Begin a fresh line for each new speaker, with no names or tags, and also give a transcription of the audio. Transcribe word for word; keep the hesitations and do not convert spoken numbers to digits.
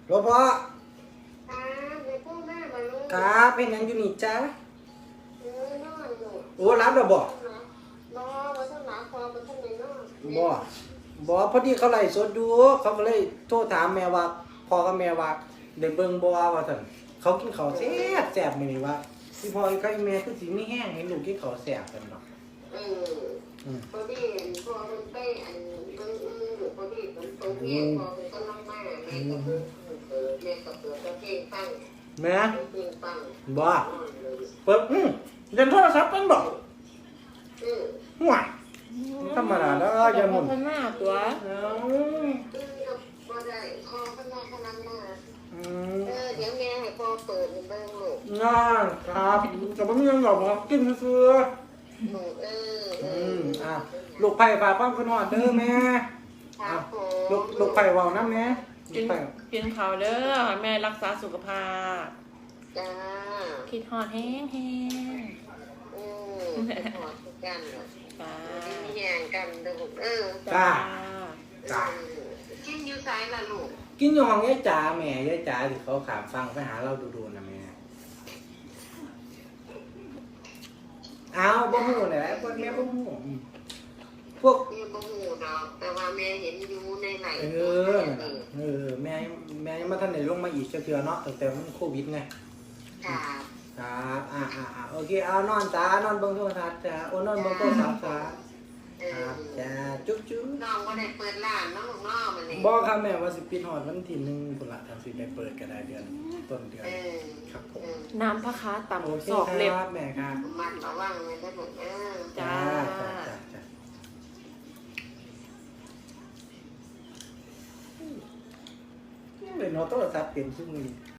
หลวงพ่อ
ครับในพวกแม่บรรลุ
ครับเป็นหยังอยู่นี่จ้า
เออนอนอยู่
โอ้รับแล้วบ่
บอมาทั้งหนาคอมาทั้งในนอน
บ่บ่พอดีเขาไล่สดอยู่เขาก็เลยโทรถามแม่ว่าพ่อกับแม่ว่าได้เบิ่งบ่ว่าซั่นเขากินข้าวแซ่บแซ่บมื้อนี้ว่าสิพ่อกับแม่คือสิมีแห้งให้ลูกกินข้าวแซ่บกันเนาะ
เออพอดีพอมันไปอันเบิ่งอยู่พอดีมันตรงเนี้ยพอมันก็ลังมาแม่ก็เปิดเปิดแม่ก็เปิดเพลงฟัง
แม่
เพลงฟัง
บ่เปิดอืมเล่นโทรศัพท์เป็นบ่
เออ
ห่วยธรรมดาเด้ออย่าหมุน
พันหน้าตัว
เอ้า
เออพอได้คอขนาดขนาดมา
อืม
เออเดี๋ยวแม่ให้พ่อเปิดเบิ่งลูก
งานครับก็บ่มีหยังหรอกครับกินซื่อ
ลูกเออ
ๆ
เอ
อืม
อ
อ่ะลูกไผ่ฝากความคิดฮอดเด้อแม่
ครับผม
ลูกลูกไผ่เว้านำแม่ลู
กิ
ก
น
ไผ่
กินข้าวเด้อให้แม่รักษาสุขภาพ
จ้า
คิดฮอดแห้งแห้ง
เออเป็นหอดกันเหรอ
จ้า
มีแย่งกันเด้อลูกเออ
จ้า
จ้ากินอยู่ไสล่ะลูก
กินอยู่ห้องยายจ๋าแม่ยายจ๋าที่เขาขามฟังไปหาเราดูๆนะแม่เอาบ่ฮู้นี่แหละพวกแม่บ่ฮู้อืมพวก
แม่บ่ฮู้ดอกแต่ว่าแม่เห็นอยู่ในไหล
เออนั่นน่ะเออแม่แม่ยังมาทันได้ลงมาอีกจักเทื่อเนาะตั้งแต่มันโควิดไง
ครับ
ครับอ่าอ่าอ่าโอเคเอานอนจ้านอนเบิ่งโทรทัศน์จ้าโอ้นอนเบิ่งโทรศัพท์จ้า
เอ
ค
อ
รับจ้าจุ๊บจุ๊บ
น้องบ่ได้เปิดร้านเนาะลูกเนาะมันนี่
บอกครับแม่ว่าสิปิดฮอดวันที่หนึ่งพุ่นละทางสิได้เปิดก็ได้เดือนต้นเดือน
เออ
ครับผม
เออ
น้ำพะค้า
โอ
ต่ำ
เค
ศอก
ค
เล็บ
รับแม่ครับ
มันระวังไว้เด้อลูกเออ
จ้า
จ้าจ้าจ้าเป็นโน้ตโทรศัพท์เปลี่ยนชื่อมือ